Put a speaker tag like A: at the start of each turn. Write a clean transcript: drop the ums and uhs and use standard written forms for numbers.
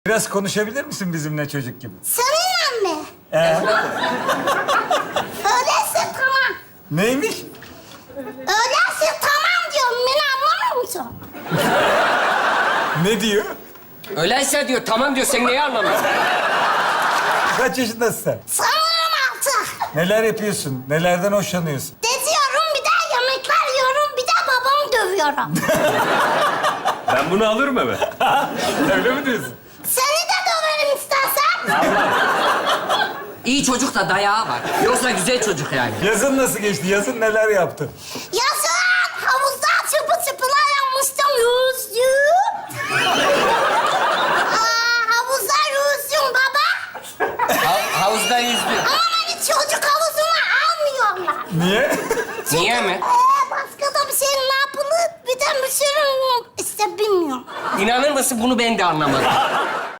A: Biraz konuşabilir misin bizimle çocuk gibi?
B: Seninle mi? Öyleyse tamam.
A: Neymiş?
B: Öyleyse tamam diyorum. Beni anlamıyor musun?
A: Ne diyor?
C: Öyleyse diyor, tamam diyor. Sen neyi anlamıyorsun?
A: Kaç yaşındasın sen?
B: Sanırım altı.
A: Neler yapıyorsun? Nelerden hoşlanıyorsun?
B: Geziyorum, bir de yemekler yiyorum, bir de babamı dövüyorum.
D: Ben bunu alırım eve.
A: Öyle mi diyorsun?
B: Seni de döverim istersen.
C: İyi çocuk da dayağı var. Yoksa güzel çocuk yani.
A: Yazın nasıl geçti? Yazın neler yaptın?
B: Yazın havuzda çıpılar yapmıştım, yüzdüm. Havuzda yüzdüm baba.
C: Havuzda yüzdü.
B: Ama beni çocuk havuzuna almıyorlar.
A: Niye?
C: Niye mi?
B: Başka da bir şey ne yapılır? Bir de bir sürü işte bilmiyorum.
C: İnanır mısın, bunu ben de anlamadım.